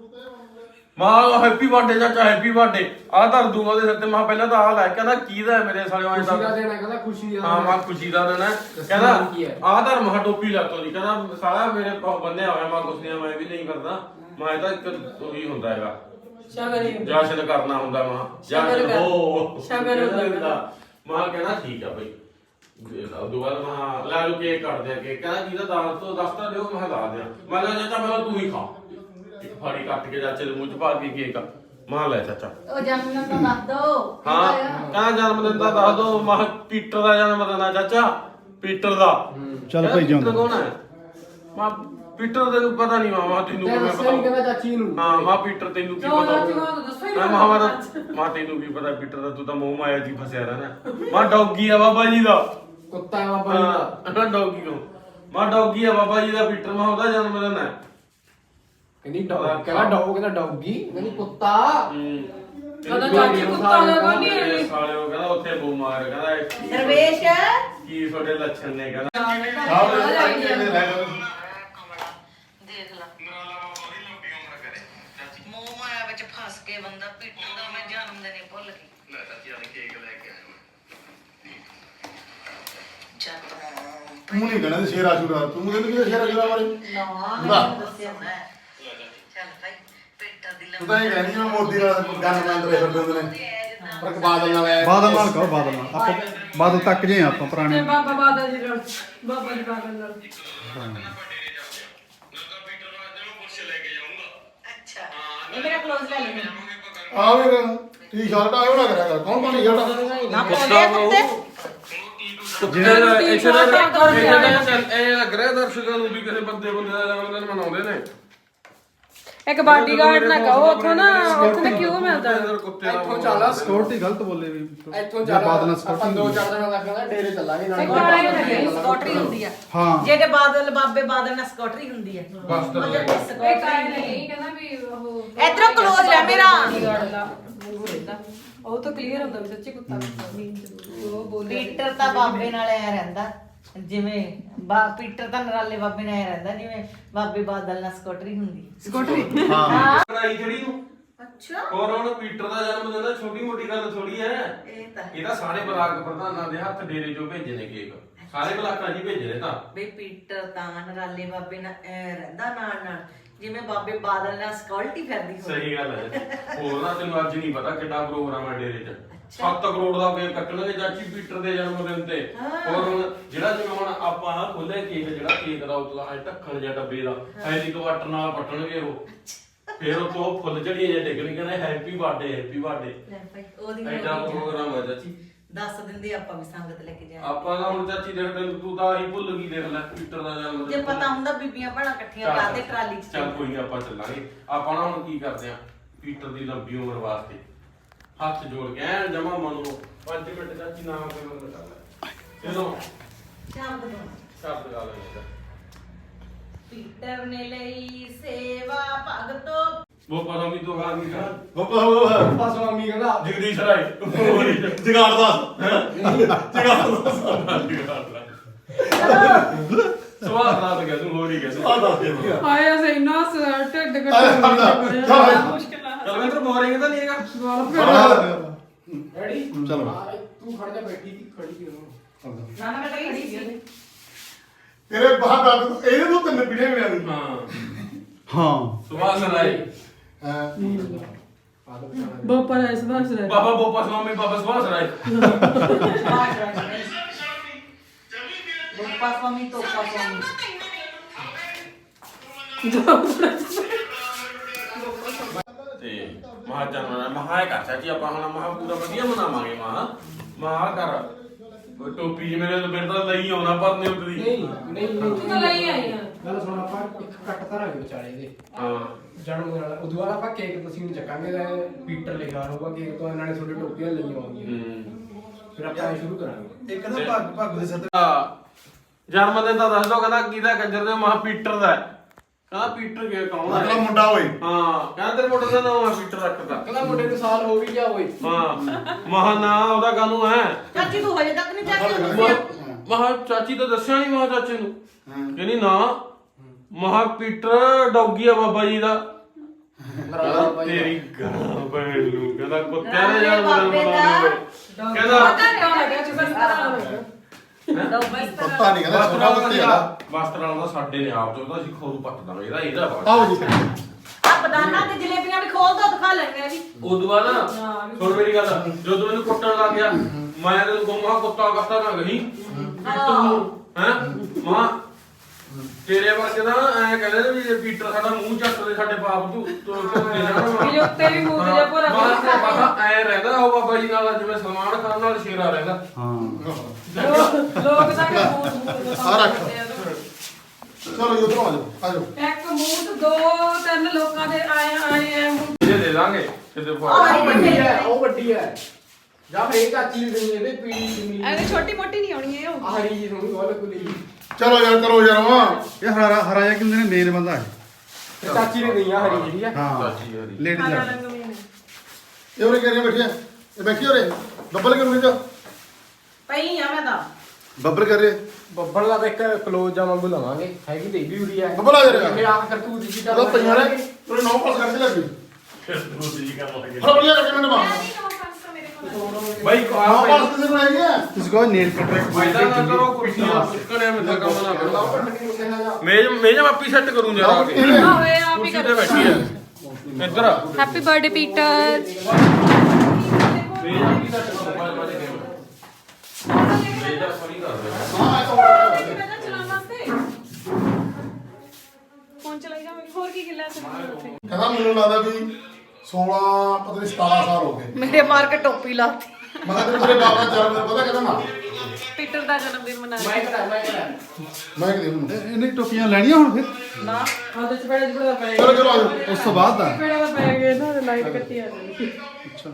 [SPEAKER 2] ਮਾਂ ਹੈਪੀ ਬਰਥਡੇ ਚਾਚਾ ਹੈਪੀ ਬਰਥਡੇ ਆ ਧਰ ਦੂੰਗਾ ਉਹਦੇ ਸਿਰ ਤੇ ਮਾਂ ਪਹਿਲਾਂ ਤਾਂ ਆ ਲੈ ਕਹਿੰਦਾ ਕਿਹਦਾ ਮੇਰੇ ਸਾਲੇ ਆਏ
[SPEAKER 6] ਖੁਸ਼ੀ ਦਾ
[SPEAKER 2] ਦਾ
[SPEAKER 6] ਦੇਣਾ ਕਹਿੰਦਾ ਖੁਸ਼ੀ ਦਾ
[SPEAKER 2] ਹਾਂ ਮਾਂ ਖੁਸ਼ੀ ਦਾ ਦੇਣਾ ਕਹਿੰਦਾ ਆ ਧਰ ਮਹਾ ਟੋਪੀ ਲੱਤੋਂ ਦੀ ਕਹਿੰਦਾ ਸਾਲਾ ਮੇਰੇ ਪਾਉ ਬੰਨੇ ਹੋਇਆ ਮਾਂ ਕੁਛ ਨਹੀਂ ਮੈਂ ਵੀ ਨਹੀਂ ਕਰਦਾ ਮੈਂ ਤਾਂ ਇੱਕ ਉਹੀ ਹੁੰਦਾ ਹੈਗਾ
[SPEAKER 5] ਸ਼ਗਨ ਹੀ
[SPEAKER 2] ਜਸ਼ਨ ਕਰਨਾ ਹੁੰਦਾ ਮਾਂ
[SPEAKER 5] ਸ਼ਗਨ
[SPEAKER 2] ਜਸ਼ਨ
[SPEAKER 5] ਕਰ-
[SPEAKER 2] ਹੋ
[SPEAKER 5] ਸ਼ਗਨ ਹੁੰਦਾ।
[SPEAKER 2] ਮਾਂ ਕਹਿੰਦਾ ਠੀਕ ਆ ਬਈ ਦੁਬਾਰਾ ਮਾਂ ਲੈ ਲੋ ਕੇਕ ਕੱਟਦੇ ਆ ਕੇਕ ਕਹਿੰਦਾ ਜਿਹਦਾ ਦਾਲ ਤੋਂ ਦਸਤਾ ਦਿਓ ਮੈਂ ਲਾ ਦਿਆਂ ਮੈਂ ਕਿਹਾ ਚਾਚਾ ਪਹਿਲਾਂ ਤੂੰ ਹੀ ਖਾ ਇੱਕ ਫਾੜੀ ਕੱਟ ਕੇ ਚਾਚੇ ਦੇ ਮੂੰਹ ਚ ਪਾ ਕੇ ਕੇਕ ਮਾਂ ਲੈ ਚਾਚਾ
[SPEAKER 3] ਉਹ ਜਨਮ ਦਿਨ ਤਾਂ ਦੱਸ ਦੋ
[SPEAKER 2] ਹਾਂ ਕਹਿੰਦਾ ਜਨਮ ਦਿਨ ਦਾ ਦੱਸ ਦੋ ਮਾਂ ਪੀਟਰ ਦਾ ਜਨਮ ਦਿਨ ਆ ਚਾਚਾ ਪੀਟਰ ਦਾ
[SPEAKER 8] ਚੱਲ ਭਾਈ
[SPEAKER 2] ਕਹਿੰਦਾ
[SPEAKER 8] ਜਾਂਦਾ।
[SPEAKER 2] ਪੀਟਰ ਕੌਣ ਹੈ ਮਾਂ ਪੀਟਰ ਤੈਨੂੰ ਪਤਾ ਨਹੀਂ ਮਾਂ ਤੈਨੂੰ
[SPEAKER 6] ਮੈਂ
[SPEAKER 2] ਕਿਵੇਂ
[SPEAKER 6] ਦੱਸਿਆ ਨਹੀਂ
[SPEAKER 2] ਪਤਾ
[SPEAKER 6] ਕਹਿੰਦਾ ਚਾਚੀ ਨੂੰ
[SPEAKER 2] ਹਾਂ ਮਾਂ ਪੀਟਰ ਤੈਨੂੰ ਕੀ
[SPEAKER 5] ਕਿਉਂ
[SPEAKER 2] ਪਤਾ
[SPEAKER 5] ਚਾਚੀ ਨੂੰ ਦੱਸੋ ਹੀ
[SPEAKER 2] ਮੈਂ
[SPEAKER 5] ਨਾ
[SPEAKER 2] ਮਾਂ ਮਾਂ ਤੈਨੂੰ ਕੀ ਪਤਾ ਪੀਟਰ ਦਾ ਤੂੰ ਤਾਂ ਮੂੰਹ ਮਾਇਆ ਜੀ ਫਸਿਆ ਰਹਿਣਾ ਮਾਂ ਡੌਗੀ ਆ ਬਾਬਾ ਜੀ ਦਾ
[SPEAKER 6] ਕੁੱਤਾ ਹੈ ਬਾਬਾ ਜੀ ਦਾ
[SPEAKER 2] ਹਾਂ ਡੌਗੀ ਕੋ ਮਾਂ ਡੌਗੀ ਆ ਬਾਬਾ ਜੀ ਦਾ ਪੀਟਰ ਮਾਂ ਉਹਦਾ ਜਨਮ ਦਿਨ ਹੈ
[SPEAKER 6] ਕਹਿੰਦੀ ਡੌਗ ਕਹਿੰਦਾ ਡੌਗ ਕਹਿੰਦਾ ਡੌਗੀ ਕਹਿੰਦੀ ਕੁੱਤਾ
[SPEAKER 5] ਕਹਿੰਦਾ ਚਾਚੀ ਕੁੱਤਾ ਲਗਾ ਨਹੀਂ
[SPEAKER 2] ਇਹ ਸਾਲੇ ਉਹ ਕਹਿੰਦਾ ਉੱਥੇ ਬੂ ਮਾਰ ਕਹਿੰਦਾ ਇਹ
[SPEAKER 3] ਦਰਵੇਸ਼
[SPEAKER 2] ਕੀ ਤੁਹਾਡੇ ਲੱਛਣ ਨੇ ਕਹਿੰਦਾ
[SPEAKER 1] ਆਹ ਲੈ ਕੇ ਲੈ ਲਓ
[SPEAKER 3] ਚ ਫਸ ਕੇ ਬੰਦਾ ਪੀਟੂ ਦਾ ਮੈਂ ਜਨਮ ਦਿਨ ਹੀ ਭੁੱਲ ਗਈ।
[SPEAKER 2] ਲੈ ਚਾਚੀ ਵਾਲੇ ਕੇਕ ਲੈ ਕੇ ਆਇਆ
[SPEAKER 3] ਜਦ
[SPEAKER 1] ਤੂੰ ਨਹੀਂ ਕਹਿਣਾ ਸ਼ੇਰਾ ਸ਼ੂਰਾ ਤੂੰ ਕਹਿੰਦੀ ਕਿ ਸ਼ੇਰਾ ਸ਼ੂਰਾ ਬਾਰੇ
[SPEAKER 3] ਨਾ
[SPEAKER 1] ਵਾਹ।
[SPEAKER 3] ਮੈਨੂੰ ਦੱਸਿਆ ਮੈਂ ਚੱਲ ਭਾਈ ਪੀਟਾ ਦੀ
[SPEAKER 1] ਤੂੰ ਤਾਂ ਇਹ ਕਹਿੰਦੀ ਮੈਂ ਮੋਦੀ ਨਾਲ ਗੰਨ ਮੰਦਰੇ ਫਿਰਦੇ ਹੁੰਦੇ ਨੇ ਪਰ ਬਾਦਲ ਨਾਲ ਆਇਆ
[SPEAKER 8] ਬਾਦਲ ਨਾਲ ਕਹੋ ਬਾਦਲ ਨਾਲ ਆਪਾਂ ਬਾਦਲ ਤੱਕ ਜੇ ਆਪਾਂ ਪੁਰਾਣੇ
[SPEAKER 5] ਬਾਬਾ ਬਾਦਲ ਜੀ ਨਾਲ ਬਾਬਾ ਜੀ ਬਾਦਲ ਨਾਲ
[SPEAKER 3] ਅੱਛਾ ਇਹ ਮੇਰਾ ਕਲੋਜ਼ ਲੈ ਲੈਣਾ
[SPEAKER 1] ਆਵੇਗਾ ਟੀ-ਸ਼ਰਟ ਆਇਓ ਨਾ ਕਰਿਆ ਕਰ ਕੌਣ ਪਾਣੀ ਟੀ-ਸ਼ਰਟ
[SPEAKER 3] ਨਾ ਪਾਉਂਦੇ ਆ ਕੁੱਤੇ
[SPEAKER 6] ਕੁੱਤੇ ਦਾ ਇਸੇ ਦਾ ਇਹ ਲੱਗ ਰਿਹਾ ਦਰਸ਼ਕਾਂ ਨੂੰ ਵੀ ਕਿਸੇ ਬੰਦੇ ਬੰਦੇ ਦਾ ਜਨਮ ਦਿਨ ਮਨਾਉਂਦੇ ਨੇ।
[SPEAKER 5] ਇੱਕ ਬਾਡੀਗਾਰਡ ਨਾ ਕਹੋ ਉੱਥੋਂ ਨਾ ਉੱਥੇ ਤਾਂ ਕਿਉਂ ਮਿਲਦਾ
[SPEAKER 6] ਕੁੱਤੇ ਦਾ
[SPEAKER 8] ਇੱਥੋਂ ਚੱਲ ਸਿਕਿਉਰਿਟੀ ਗਲਤ ਬੋਲੇ ਵੀ ਇੱਥੋਂ ਚੱਲ ਬਾਦਲ ਨਾਲ ਸਿਕਿਉਰਿਟੀ ਦੋ ਚਾਰ ਦਿਨਾਂ ਤੱਕ ਡੇਰੇ ਚੱਲਾਂਗੇ
[SPEAKER 3] ਇੱਕ ਵਾਰ ਇਹ ਲੱਗੇ ਸਕੌਟਰੀ ਹੁੰਦੀ ਆ
[SPEAKER 8] ਹਾਂ
[SPEAKER 3] ਜਿਹੜੇ ਬਾਦਲ ਬਾਬੇ ਬਾਦਲ ਨਾਲ ਸਕੌਟਰੀ ਹੁੰਦੀ ਆ
[SPEAKER 6] ਬਸ ਤਾਂ
[SPEAKER 3] ਮਗਰ
[SPEAKER 5] ਇੱਕ
[SPEAKER 3] ਸਕੌਟਰੀ
[SPEAKER 5] ਆਏ
[SPEAKER 3] ਨਹੀਂ
[SPEAKER 5] ਨਹੀਂ ਕਹਿੰਦਾ ਵੀ ਉਹ
[SPEAKER 3] ਇਧਰੋਂ ਕਲੋਜ਼ ਲੈ ਮੇਰਾ
[SPEAKER 5] ਬਾਡੀਗਾਰਡ ਦਾ ਮੂੰਹ ਰਹਿੰਦਾ ਉਹ ਤਾਂ ਕਲੀਅਰ ਹੁੰਦਾ ਵੀ ਸੱਚੀ ਕੁੱਤਾ ਉਹ ਬੋਲੇ
[SPEAKER 3] ਪੀਟਰ ਤਾਂ ਬਾਬੇ ਨਾਲ ਐ ਰਹਿੰਦਾ ਜਿਵੇਂ ਬਾ ਪੀਟਰ ਤਾਂ ਨਰਾਲੇ ਬਾਬੇ ਨਾਲ ਐ ਰਹਿੰਦਾ ਜਿਵੇਂ ਬਾਬੇ ਬਾਦਲ ਨਾਲ ਸਕੌਟਰੀ ਹੁੰਦੀ
[SPEAKER 5] ਸਕੌਟਰੀ
[SPEAKER 3] ਹਾਂ
[SPEAKER 2] ਕਰਾਈ ਜਿਹੜੀ ਨੂੰ
[SPEAKER 3] ਅੱਛਾ
[SPEAKER 2] ਹੋਰ ਹੁਣ ਪੀਟਰ ਦਾ ਜਨਮ ਦਿਨ ਦਾ ਛੋਟੀ ਮੋਟੀ ਗੱਲ ਥੋੜੀ ਹੈ।
[SPEAKER 3] ਇਹ ਤਾਂ
[SPEAKER 2] ਇਹ ਤਾਂ ਸਾਰੇ ਬਲਾਕ ਪ੍ਰਧਾਨਾਂ ਦੇ ਹੱਥ ਡੇਰੇ ਚੋਂ ਭੇਜੇ ਨੇ ਕੇਕ ਸਾਰੇ ਬਲਾਕਾਂ 'ਚ ਹੀ ਭੇਜੇ ਨੇ ਤਾਂ
[SPEAKER 3] ਬਈ ਪੀਟਰ ਤਾਂ ਨਰਾਲੇ ਬਾਬੇ ਨਾਲ ਐ ਰਹਿੰਦਾ ਨਾਲ ਨਾਲ ਜਿਵੇਂ ਬਾਬੇ ਬਾਦਲ ਨਾਲ ਸਕੌਲਟੀ ਫਿਰਦੀ ਹੋਵੇ
[SPEAKER 2] ਸਹੀ ਗੱਲ ਹੈ। ਹੋਰ ਨਾ ਤੈਨੂੰ ਅੱਜ ਨਹੀਂ ਪਤਾ ਕਿੱਡਾ ਪ੍ਰੋਗਰਾਮ ਹੈ ਡੇਰੇ 'ਚ ਸੱਤ ਕਰੋੜ ਦਾ ਕੇਕ ਕੱਟਣਗੇ ਚਾਚੀ ਪੀਟਰ ਦੇ ਜਨਮ ਦਿਨ ਤੇ। ਹੋਰ ਹੁਣ ਜਿਹੜਾ ਜਿਵੇਂ ਹੁਣ ਆਪਾਂ ਆਹ ਖੋਲੇ ਕੇਕ ਜਿਹੜਾ ਕੇਕ ਦਾ ਉਤਲਾ ਹੈ ਢੱਕਣ ਜਿਹਾ ਡੱਬੇ ਦਾ ਹੈਲੀਕਾਪਟਰ ਨਾਲ ਪੱਟਣਗੇ ਉਹ ਫਿਰ ਉਹ ਤੋਂ ਫੁੱਲ ਝੜੀਆਂ ਜੇ ਡਿੱਗਣਗੇ ਕਹਿੰਦੇ ਹੈਪੀ ਬਰਥਡੇ ਹੈਪੀ ਬਰਥਡੇ
[SPEAKER 3] ਲੈ ਭਾਈ ਉਹਦੀ
[SPEAKER 2] ਐਡਾ ਪ੍ਰੋਗਰਾਮ ਹੈ ਚਾਚੀ।
[SPEAKER 3] ਦੱਸ ਦਿੰਦੇ ਆਪਾਂ ਵੀ ਸੰਗਤ ਲੈ ਕੇ ਜਾਏ
[SPEAKER 2] ਆਪਾਂ ਤਾਂ ਹੁਣ ਚਾਚੀ ਦੇਖ ਤੈਨੂੰ ਤੂੰ ਤਾਂ ਹੀ ਭੁੱਲ ਗਈ ਦੇਖ ਲੈ ਪੀਟਰ ਦਾ ਜਨਮ
[SPEAKER 3] ਜੇ
[SPEAKER 2] ਦਿਨ
[SPEAKER 3] ਪਤਾ ਹੁੰਦਾ ਬੀਬੀਆਂ ਭੈਣਾਂ ਇਕੱਠੀਆਂ ਕਰਦੇ ਟਰਾਲੀ 'ਚ
[SPEAKER 2] ਚੱਲ ਕੋਈ ਨਹੀਂ ਆਪਾਂ ਚੱਲਾਂਗੇ। ਆਪਾਂ ਨਾ ਹੁਣ ਕੀ ਕਰਦੇ ਆ ਪੀਟਰ ਦੀ ਲੰਬੀ ਉਮਰ ਵਾਸਤੇ ਹੱਥ ਜੋੜ ਕੇ ਐ ਜਮਾ ਮਨ ਨੂੰ ਪੰਜ ਮਿੰਟ ਚਾਚੀ ਨਾਮ ਤੇ ਮੰਨ ਕਰ ਲੈ ਚਲੋ
[SPEAKER 3] ਸ਼ਾਮ ਨੂੰ
[SPEAKER 2] ਸ਼ਬਦ ਗਾ ਲੈਂਦੇ
[SPEAKER 3] ਪੀਟਰ ਨੇ ਲਈ ਸੇਵਾ ਭਗਤੋ
[SPEAKER 2] ਉਹ ਪਤਾ ਵੀ ਤੋਂ ਗਾਣੀ ਦਾ
[SPEAKER 1] ਬੱਬਾ
[SPEAKER 8] ਸਵਾਮੀ ਕਹਿੰਦਾ
[SPEAKER 2] ਜਗਦੀਸ਼ ਰਾਏ
[SPEAKER 1] ਜਗਾੜ ਦਾ
[SPEAKER 2] ਜਗਾੜ ਦਾ ਸਵਾਦ ਨਾਲ ਗਿਆ ਤੂੰ ਹੋਰ ਹੀ ਗਿਆ
[SPEAKER 1] ਆ ਦੱਸ ਦੇ
[SPEAKER 5] ਹਾਏ ਅਸੇ ਇੰਨਾ ਸ- ਢਿੱਡ
[SPEAKER 1] ਆ ਜਾ
[SPEAKER 5] ਮੁਸ਼ਕਿਲ ਆ
[SPEAKER 2] ਚਲ ਮੈਂ ਤੇ ਬੋਰਿੰਗ ਤਾਂ ਨਹੀਂ ਹੈਗਾ
[SPEAKER 8] ਰੈਡੀ
[SPEAKER 1] ਚਲੋ
[SPEAKER 8] ਤੂੰ ਖੜ ਜਾ ਬੈਠੀ ਸੀ ਖੜੀ ਕਿਉਂ
[SPEAKER 3] ਨਾ ਨਾ ਮੈਂ ਖੜੀ ਸੀ
[SPEAKER 1] ਤੇਰੇ ਬਾਹਰ ਦਾ ਇਹਦੇ ਤੋਂ ਤਿੰਨ ਪੀੜੇ ਮਿਲਿਆ ਦੀ
[SPEAKER 2] ਹਾਂ
[SPEAKER 8] ਹਾਂ
[SPEAKER 2] ਸੁਭਾਸ਼ ਰਾਏ
[SPEAKER 5] ਬਾਪਾ ਦਾ ਸੁਭਾਸ਼ ਰਾਏ
[SPEAKER 2] ਬਾਬਾ ਬੋਪਾ ਸਵਾਮੀ ਬਾਬਾ ਸੁਭਾਸ਼ ਰਾਏ
[SPEAKER 3] ਬੱਪਾ ਸਵਾਮੀ ਤੋਪਾ ਸਵਾਮੀ
[SPEAKER 2] ਤੇ ਮਹਾ ਜਨਮ ਮਹਾ ਇਹ ਕਰ ਚਾਚੀ ਆਪਾਂ ਹੁਣ ਮਹਾ ਪੂਰਾ ਵਧੀਆ ਮਨਾਵਾਂਗੇ ਮਹਾ ਮਹਾ ਕਰ ਉਹ ਟੋਪੀ ਜਿ ਮੇਰੇ ਮੇਰੇ ਤਾਂ ਲਈ ਆਉਣਾ ਪਰ ਨੇ ਉਤਰੀ
[SPEAKER 8] ਨਹੀਂ ਨਹੀਂ
[SPEAKER 5] ਤੂੰ ਤਾਂ ਲਈ ਆਈ ਆ
[SPEAKER 8] ਗੱਲ ਸੁਣ ਆਪਾਂ ਇੱਕ ਕੱਟ ਧਰਾਂਗੇ ਵਿਚਾਲੇ ਦੇ
[SPEAKER 2] ਹਾਂ
[SPEAKER 8] ਜਨਮ ਦਿਨ ਵਾਲਾ ਉਦੋਂ ਬਾਅਦ ਆਪਾਂ ਕੇਕ ਤੁਸੀਂ ਨੂੰ ਚੱਕਾਂਗੇ ਪੀਟਰ ਲਿਖਾ ਹੋਊਗਾ ਕੇਕ ਤੋਂ ਇਹਨਾਂ ਨੇ ਤੁਹਾਡੇ ਟੋਪੀਆਂ ਲਈਆਂ ਹੋਣਗੀਆਂ
[SPEAKER 2] ਹੂੰ
[SPEAKER 8] ਫਿਰ ਆਪਾਂ ਇਹ ਸ਼ੁਰੂ ਕਰਾਂਗੇ
[SPEAKER 1] ਇੱਕ ਨਾ ਭੱਗ ਭੱਗ ਦੇ ਸਿਰ ਤੇ
[SPEAKER 2] ਜਨਮ ਦਿਨ ਤਾਂ ਦੱਸ ਦੋ ਕਹਿੰਦਾ ਕਿਹਦਾ ਕੰਜਰ ਦੇ ਮਹਾ ਪੀਟਰ ਦਾ ਹੈ। ਕਹਿੰਦਾ ਪੀਟਰ ਕੇ ਕੌਣ
[SPEAKER 1] ਮਤਲਬ
[SPEAKER 2] ਹੈ
[SPEAKER 1] ਮੁੰਡਾ ਹੋਏ
[SPEAKER 2] ਹਾਂ ਕਹਿੰਦਾ ਤੇਰੇ ਮੋਟਰ ਦਾ ਨਾਮ ਹੈ ਪੀਟਰ ਰੱਖਦਾ
[SPEAKER 8] ਕਹਿੰਦਾ ਮੁੰਡੇ ਨੂੰ ਸਾਲ ਹੋ ਵੀ ਗਿਆ ਓਏ
[SPEAKER 2] ਹਾਂ ਮਹਾ ਨਾ ਉਹਦਾ ਕਾਨੂੰ ਹੈ
[SPEAKER 3] ਚਾਚੀ ਤੂੰ ਹਜੇ ਤੱਕ ਨਹੀਂ ਚਾਚੀ
[SPEAKER 2] ਮਹਾ ਚਾਚੀ ਤਾਂ ਦੱਸਿਆ ਨਹੀਂ ਮਹਾ ਚਾਚੇ ਨੂੰ ਕਹਿੰਦੀ ਨਾ ਮਹਾ ਪੀਟਰ ਡੌਗੀ ਆ ਬਾਬਾ ਜੀ ਦਾ ਕਹਿੰਦਾ ਤੇਰੀ ਗਾਂ ਬੈਣ ਨੂੰ ਕਹਿੰਦਾ ਕੁੱਤਿਆਂ ਨੇ ਜਨਮ ਦਿਨ ਮਨਾਉਂਦੇ ਕਹਿੰਦਾ
[SPEAKER 5] ਪਤਾ ਨਹੀਂ ਆ ਗਿਆ ਚੁੱਪ ਕਰ
[SPEAKER 1] ਪਤਾ ਨਹੀਂ ਕਹਿੰਦਾ ਛੋਟਾ ਬੱਤੇ ਆ
[SPEAKER 2] ਵਸਤਰ ਵਾਲਾ ਦਾ ਸਾਡੇ ਨੇ ਆਪ ਤੋਂ ਤਾਂ ਅਸੀਂ ਖੋਰੂ ਪੱਟ ਦਾਂਗੇ ਇਹਦਾ ਇਹਦਾ ਬਾਤ
[SPEAKER 1] ਆਓ ਜੀ
[SPEAKER 3] ਆ ਬਦਾਨਾ ਤੇ ਜਲੇਬੀਆਂ ਵੀ ਖੋਲ ਦੋ ਦਿਖਾ ਲੈਣੇ ਵੀ
[SPEAKER 2] ਉਦੋਂ ਬਾਅਦ ਨਾ ਸੁਣ ਮੇਰੀ ਗੱਲ ਜਦੋਂ ਮੈਨੂੰ ਕੁੱਟਣ ਲੱਗ ਗਿਆ ਮੈਂ ਤੈਨੂੰ ਕਹੂੰਗਾ ਕੁੱਤਾ ਕੱਤਾ ਨਾ ਗਈ ਹੈ ਮਾਂ ਤੇਰੇ ਵਰਗੇ ਨਾ ਐ ਕਹਿੰਦੇ ਨੇ ਵੀ ਪੀਟਰ ਸਾਡਾ ਮੂੰਹ ਚੱਟਦੇ ਸਾਡੇ ਬਾਪ ਤੂੰ ਤੂੰ ਧੋਤੇ ਜਾਣਾ
[SPEAKER 5] ਵੀ ਉੱਤੇ ਵੀ ਮੂੰਹ ਜਿਹਾ ਭੋਰਾ
[SPEAKER 2] ਮਾਂ ਬਾਬਾ ਐ ਰਹਿੰਦਾ ਉਹ ਬਾਬਾ ਜੀ ਨਾਲ ਜਿਵੇਂ ਸਲਮਾਨ ਖਾਨ ਨਾਲ ਸ਼ੇਰਾ ਰਹਿੰਦਾ
[SPEAKER 8] ਹਾਂ
[SPEAKER 5] ਲੋਕ ਲੋਕ ਤਾਂ ਕਿ ਮੂੰਹ
[SPEAKER 1] ਆ ਰੱਖ। ਚਲੋ ਜੀ ਉਧਰੋਂ ਆ ਜਾਓ ਆ ਜਾਓ
[SPEAKER 5] ਇੱਕ ਮੂੰਹ ਤੋਂ ਦੋ ਤਿੰਨ ਲੋਕਾਂ ਦੇ ਆਏ ਆਏ ਐ ਮੂੰਹ
[SPEAKER 2] ਇਹ ਦੇ ਦਾਂਗੇ ਕਿਤੇ
[SPEAKER 3] ਆਹ
[SPEAKER 8] ਉਹ ਵੱਡੀ ਹੈ ਉਹ ਵੱਡੀ ਹੈ ਜਾਂ ਫੇਰ ਚਾਚੀ ਨੂੰ ਦੇਣੀ ਇਹਦੇ ਪੀੜੀ ਜ਼ਮੀਨ
[SPEAKER 5] ਐਵੇਂ ਛੋਟੀ ਮੋਟੀ ਨਹੀਂ ਆਉਣੀ ਇਹ
[SPEAKER 8] ਆਹ ਹਰੀ ਜੀ ਤੁਹਾਨੂੰ ਬਹੁਤ ਕੁਲੀ
[SPEAKER 1] ਚਲੋ ਯਾਰ ਕਰੋ ਯਾਰ ਵਾ
[SPEAKER 8] ਇਹ ਹਰਾ ਹਰਾ ਜਿਹਾ ਕਿੰਨੇ ਨੇ ਮੇਨ ਬੰਦਾ ਹੈ ਚਾਚੀ ਨੇ ਗਈਆਂ ਹਰੀ ਜਿਹੜੀ ਆ
[SPEAKER 2] ਚਾਚੀ
[SPEAKER 8] ਹਾਂ
[SPEAKER 2] ਹਰੀ
[SPEAKER 8] ਲੇਡੀ
[SPEAKER 5] ਕਾਲਾ
[SPEAKER 8] ਜਾ
[SPEAKER 5] ਰੰਗ ਮੇਂ
[SPEAKER 1] ਇਹ ਉਰੇ ਕਿਹੜੇ ਬੈਠੇ ਆ ਇਹ ਬੈਠੀ ਉਰੇ ਬੱਬਲ ਕਿਉਂ ਵਿੱਚ
[SPEAKER 3] ਪਈ ਆ ਮੈਂ ਤਾਂ
[SPEAKER 1] ਬੱਬਲ ਕਰ ਰਹੇ
[SPEAKER 8] ਬੱਬਲ ਦਾ ਤਾਂ ਇੱਕ ਕਲੋਜ਼ ਜਾਂ ਵਾਂਗੂ ਲਵਾਂਗੇ ਹੈਗੀ ਤੇ ਇਹ ਵੀ ਉਰੀ ਹੈ
[SPEAKER 1] ਬੱਬਲ ਆ ਜਾ ਰਿਹਾ।
[SPEAKER 8] ਇਹ ਆਖ ਕਰ ਤੂੰ ਦੀ
[SPEAKER 1] ਉਹਦਾ ਪਈਆਂ ਨੇ ਤੂੰ ਨੌ ਪਾਸ ਕਰਕੇ ਲੱਗੀ
[SPEAKER 2] ਦੂਜੀ ਗੱਲ ਹੋ ਗਈ
[SPEAKER 1] ਫੜ ਲਿਆ ਕੇ ਮੈਨੂੰ ਬਾਹਰ
[SPEAKER 2] ਬਾਈ ਕੋ
[SPEAKER 1] ਆਹ
[SPEAKER 2] ਆ
[SPEAKER 1] ਬਾਸ ਕਿਸੇ ਨੂੰ ਆਈ ਹੈ
[SPEAKER 4] ਤੁਸੀਂ ਕਹੋ ਨੇਲ ਕਟਰ
[SPEAKER 6] ਫਾਇਦਾ ਨਾ ਕਰੋ ਕੁਰਸੀ ਦਾ ਸੁੱਕਣੇ ਮੈਂ ਤਾਂ ਕੰਮ ਨਾ ਕਰੋ ਮੇਜ ਮੇਜ ਆਪੀ ਸੈੱਟ ਕਰੂੰ ਜਰਾ ਕੇ
[SPEAKER 5] ਹੋਏ ਆਪ ਹੀ
[SPEAKER 6] ਕੁਰਸੀ ਤੇ ਬੈਠੀ ਹੈ ਇੱਧਰ
[SPEAKER 5] ਹੈਪੀ ਬਰਥਡੇ ਪੀਟਰ
[SPEAKER 2] ਮੇਜ ਆਪੀ ਸੈੱਟ ਕਰੋ ਬਾਜ ਬਾਜ ਕੇ ਮੇਜ ਦਾ ਫਰੀ ਕਰ ਦੇ
[SPEAKER 1] ਹਾਂ ਇਹ ਤਾਂ ਬੜਾ ਵਧੀਆ।
[SPEAKER 5] ਮੈਂ ਚਲਾਉਣ ਵਾਸਤੇ ਫੋਨ ਚਲਾਈ ਜਾਵਾਂਗੇ ਹੋਰ ਕੀ ਗਿੱਲਾ ਸੀ ਉੱਥੇ
[SPEAKER 1] ਕਹਿੰਦਾ ਮੈਨੂੰ ਲੱਗਦਾ ਵੀ ਸੋਲਾਂ ਪਤਾ ਨਹੀਂ ਸਤਾਰਾਂ ਸਾਲ ਹੋ ਗਏ
[SPEAKER 3] ਮੇਰੇ ਮਾਰ ਕੇ ਟੋਪੀ ਲਾਤੀ
[SPEAKER 1] ਮੈਂ ਕਿਹਾ ਤੇਰੇ ਬਾਬਾ ਜਨਮ ਦਿਨ ਪਤਾ ਕਹਿੰਦਾ ਨਾ
[SPEAKER 5] ਪੀਟਰ ਦਾ ਜਨਮ ਦਿਨ ਮਨਾ
[SPEAKER 8] ਮੈਂ ਕਰਾਂ ਮੈਂ ਕਰਾਂ
[SPEAKER 1] ਮੈਂ ਕਿਹਾ ਇਹਨੂੰ
[SPEAKER 4] ਇਹਨੇ ਟੋਪੀਆਂ ਲੈਣੀਆਂ ਹੁਣ ਫਿਰ
[SPEAKER 3] ਨਾ
[SPEAKER 5] ਹਾਂ ਤੇ ਚਪੜਾ ਚਪੜਾ ਪੈ
[SPEAKER 1] ਚਲੋ ਚਲੋ ਆਜੋ
[SPEAKER 4] ਉਸ ਤੋਂ ਬਾਅਦ ਦਾ
[SPEAKER 5] ਚਪੜਾ ਦਾ ਪੈ ਗਿਆ ਨਾ ਲਾਈਟ ਕੱਟੀ ਆ ਰਹੀ
[SPEAKER 4] ਅੱਛਾ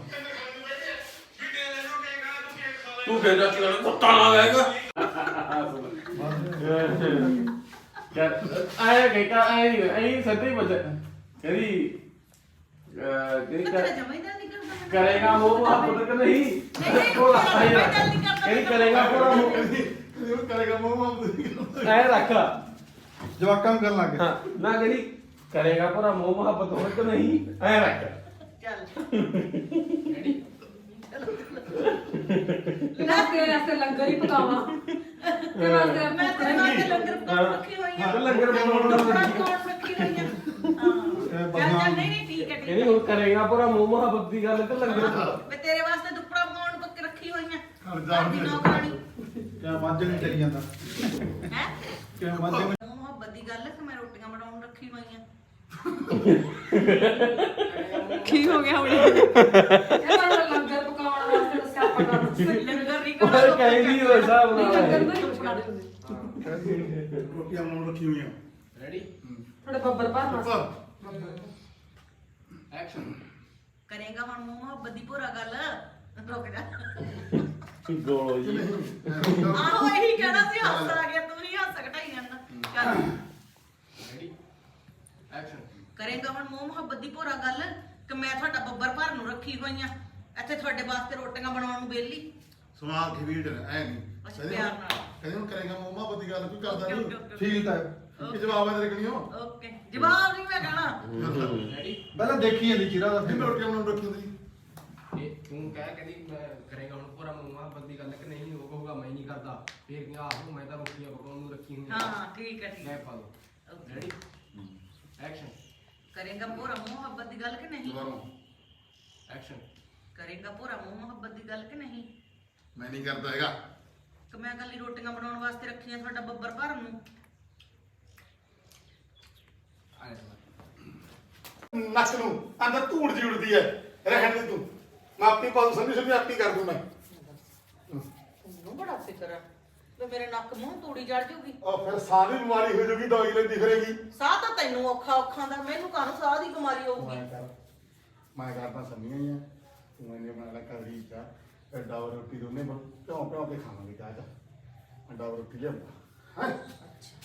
[SPEAKER 6] ਤੂੰ ਫੇਰ ਜਾ ਕੇ ਕੁੱਤਾ ਨਾ ਆਏਗਾ
[SPEAKER 2] ਆਇਆ ਕਿ ਕਾ ਆਈ ਆਈ ਸੱਦੀ ਬਜ ਕਹਿੰਦੀ ਕਹਿੰਦੀ ਕਰੇਗਾ ਉਹ ਮੁਹੱਬਤ ਕਿ ਨਹੀਂ ਉਹ ਕਹਿੰਦੀ ਕਰੇਗਾ ਪੂਰਾ
[SPEAKER 1] ਇਹਨੂੰ ਕਰੇਗਾ ਮੋਹ
[SPEAKER 2] ਐ ਰੱਖ
[SPEAKER 4] ਜਵਾਕਾਂ ਨੂੰ ਕਰਨ ਲੱਗ
[SPEAKER 2] ਹਾਂ ਨਾ ਕਹਿੰਦੀ ਕਰੇਗਾ ਪੂਰਾ ਮੋਹ ਮੁਹੱਬਤ ਹੋਵੇ ਕਿ ਨਹੀਂ ਐ ਰੱਖ
[SPEAKER 5] ਨਾ ਤੇਰੇ ਵਾਸਤੇ ਲੰਗਰ ਹੀ ਪਕਾਵਾਂ ਤੇਰੇ ਵਾਸਤੇ
[SPEAKER 3] ਮੈਂ ਤੇਰੇ ਵਾਸਤੇ ਲੰਗਰ ਪਕਾਉਣ ਰੱਖੀ ਹੋਈ ਆ
[SPEAKER 2] ਲੰਗਰ ਬਣਾਉਣ ਦਾ
[SPEAKER 3] ਪਕਾਉਣ ਰੱਖੀ ਹੋਈ ਆ ਹਾਂ ਚੱਲ ਚੱਲ ਨਹੀਂ ਨਹੀਂ ਠੀਕ ਹੈ ਠੀਕ
[SPEAKER 2] ਕਹਿੰਦੀ ਹੁਣ ਕਰੇਗਾ ਪੂਰਾ ਮੋਹ ਮੁਹੱਬਤ ਦੀ ਗੱਲ ਤੇ ਲੰਗਰ
[SPEAKER 3] ਮੈਂ ਤੇਰੇ ਵਾਸਤੇ ਦੁੱਪੜਾ ਪਕਾਉਣ ਪੱਕ ਰੱਖੀ ਹੋਈ ਆ
[SPEAKER 1] ਹਰ ਜਾ
[SPEAKER 3] ਦੀ ਨੌਕਰਾਨੀ
[SPEAKER 4] ਕਿਆ ਮੱਝ ਨਹੀਂ ਚਲੀ ਜਾਂਦਾ
[SPEAKER 3] ਹੈ
[SPEAKER 4] ਕਿਆ ਮੱਝ ਨਹੀਂ
[SPEAKER 3] ਮੁਹੱਬਤ ਦੀ ਗੱਲ ਹੈ ਕਿ ਮੈਂ ਰੋਟੀਆਂ ਬਣਾਉਣ ਰੱਖੀ ਹੋਈ ਆ
[SPEAKER 5] ਕੀ ਹੋ ਗਿਆ ਹੁਣ ਇਹ ਤਾਂ ਲੰਗਰ ਪਕਾਉਣ ਵਾਸਤੇ ਦੱਸਿਆ ਆਪਾਂ ਕਰ
[SPEAKER 3] ਲੰਗਰ ਨਹੀਂ
[SPEAKER 2] ਉਹ
[SPEAKER 3] ਕਰਨਾ
[SPEAKER 2] ਕਹਿੰਦੀ ਉਹ ਹਿਸਾਬ ਨਾਲ
[SPEAKER 5] ਲੰਗਰ ਦਾ ਹੀ ਪਕਾ ਦੇ
[SPEAKER 1] ਰੋਟੀਆਂ ਬਣਾਉਣ ਰੱਖੀ ਹੋਈਆਂ
[SPEAKER 8] ਰੈਡੀ
[SPEAKER 5] ਥੋੜੇ ਬੱਬਰ ਭਰ
[SPEAKER 1] ਉੱਪਰ
[SPEAKER 8] ਐਕਸ਼ਨ
[SPEAKER 3] ਕਰੇਗਾ ਹੁਣ ਮੂੰਹ ਮੁਹੱਬਤ ਦੀ ਪੂਰਾ ਗੱਲ ਰੁਕ ਜਾ
[SPEAKER 2] ਗੋਲੋ ਜੀ
[SPEAKER 3] ਆਹੋ ਇਹੀ ਕਹਿਣਾ ਸੀ ਹੱਸ ਆ ਗਿਆ ਤੂੰ ਹੀ ਹੱਸ ਘਟਾਈ ਜਾਂਦਾ ਚੱਲ
[SPEAKER 8] ਰੈਡੀ ਐਕਸ਼ਨ
[SPEAKER 3] ਕਰੇਗਾ ਹੁਣ ਮੂੰਹ ਮੁਹੱਬਤ ਦੀ ਪੂਰਾ ਗੱਲ ਕਿ ਮੈਂ ਤੁਹਾਡਾ ਬੱਬਰ ਭਰ ਨੂੰ ਰੱਖੀ ਹੋਈ ਆ ਇੱਥੇ ਤੁਹਾਡੇ ਵਾਸਤੇ ਰੋਟੀਆਂ ਬਣਾਉਣ ਨੂੰ ਵਿਹਲੀ
[SPEAKER 1] ਸਵਾਲ ਖਵੀੜ ਐ ਨਹੀਂ
[SPEAKER 3] ਅੱਛਾ ਪਿਆਰ ਨਾਲ
[SPEAKER 1] ਕਹਿੰਦੇ ਹੁਣ ਕਰੇਗਾ ਮੋਮਾ ਬੱਦੀ ਗੱਲ ਕੋਈ ਕਰਦਾ
[SPEAKER 3] ਓਕੇ,
[SPEAKER 1] ਨਹੀਂ
[SPEAKER 3] ਓਕੇ, ਓਕੇ।
[SPEAKER 4] ਫੀਲ ਤਾਂ
[SPEAKER 1] ਕੀ ਜਵਾਬ ਹੈ ਤੇਰੇ ਕੋਲ
[SPEAKER 3] ਓਕੇ ਜਵਾਬ ਨਹੀਂ ਮੈਂ ਕਹਿਣਾ
[SPEAKER 8] ਰੈਡੀ
[SPEAKER 4] ਪਹਿਲਾਂ ਦੇਖੀ ਜਾਂਦੀ ਚਿਹਰਾ ਦਾ
[SPEAKER 1] ਫਿਰ
[SPEAKER 4] ਫਿਰ
[SPEAKER 1] ਰੋਟੀਆਂ ਬਣਾਉਣ ਰੱਖੀ ਹੁੰਦੀ
[SPEAKER 8] ਇਹ ਤੂੰ ਕਹਿ ਕਹਿੰਦੀ ਮੈਂ ਕਰੇਗਾ ਹੁਣ ਪੂਰਾ ਮੂੰਹਾਂ ਬੰਦੀ ਗੱਲ ਕਿ ਨਹੀਂ ਉਹ ਕਹੂਗਾ ਮੈਂ ਨਹੀਂ ਕਰਦਾ ਫੇਰ ਕਿ ਆਹੋ ਮੈਂ ਤਾਂ ਰੋਟੀਆਂ ਪਕਾਉਣ ਨੂੰ ਰੱਖੀ ਹੋਈ
[SPEAKER 3] ਹਾਂ ਠੀਕ ਹੈ ਠੀਕ
[SPEAKER 8] ਲੈ
[SPEAKER 3] ਹੈ
[SPEAKER 8] ਪਾ ਦੋ
[SPEAKER 3] ਓਕੇ।
[SPEAKER 8] ਰੈਡੀ ਐਕਸ਼ਨ
[SPEAKER 3] ਕਰੇਗਾ ਪੂਰਾ ਮੂੰਹ ਮੁਹੱਬਤ ਦੀ ਗੱਲ ਕਿ ਨਹੀਂ
[SPEAKER 1] ਦੁਬਾਰਾ
[SPEAKER 8] ਐਕਸ਼ਨ
[SPEAKER 3] ਕਰੇਗਾ ਪੂਰਾ ਮੂੰਹ ਮੁਹੱਬਤ ਦੀ ਗੱਲ ਕਿ ਨਹੀਂ
[SPEAKER 1] ਮੈਂ ਨਹੀਂ ਕਰਦਾ ਹੈਗਾ
[SPEAKER 3] ਕਿ ਮੈਂ ਕੱਲੀ ਰੋਟੀਆਂ ਬਣਾਉਣ ਵਾਸਤੇ ਰੱਖੀਆਂ ਤੁਹਾਡਾ ਬੱਬਰ ਭਰਨ ਨੂੰ
[SPEAKER 8] ਆਇਆ
[SPEAKER 1] ਨੱਕ ਨੂੰ ਅੰਦਰ ਧੂੜ ਜੀ ਉੜਦੀ ਹੈ ਰਹਿਣ ਦੇ ਤੂੰ ਮੈਂ ਆਪਣੀ ਪਾਉ ਸਮਝੀ ਸਮਝੀ ਆਪੀ ਕਰ ਦੂੰ ਮੈਂ
[SPEAKER 3] ਨੂੰ ਬੜਾ ਫਿਕਰ ਆ ਤੇ ਮੇਰੇ ਨੱਕ ਮੂੰਹ ਤੂੜੀ ਜੜ ਜੂਗੀ
[SPEAKER 1] ਉਹ ਫਿਰ ਸਾਹ ਦੀ ਬਿਮਾਰੀ ਹੋ ਜੂਗੀ ਦਵਾਈ ਲੈਂਦੀ ਫਿਰੇਗੀ
[SPEAKER 3] ਸਾਹ ਤਾਂ ਤੈਨੂੰ ਔਖਾ ਔਖਾ ਦਾ ਮੈਨੂੰ ਕਾਹਨੂੰ ਸਾਹ ਦੀ ਬਿਮਾਰੀ ਹੋਊਗੀ
[SPEAKER 1] ਮੈਂ ਕਰ ਮੈਂ ਕਰਦਾ ਸਮਝੀਆਂ ਹੀ ਆ ਤੂੰ ਇਹਨੇ ਬਣਾ ਲੈ ਕੜੀ ਚਾ ਐਡਾ ਰੋਟੀ ਦੋਨੇ ਬਣ ਪਿਉਂ ਪਿਉਂ ਕੇ ਖਾਵਾਂਗੇ ਚਾਹ ਚ ਅੰਡਾ ਰੋਟੀ ਲਿਆਉਂਦਾ ਹੈ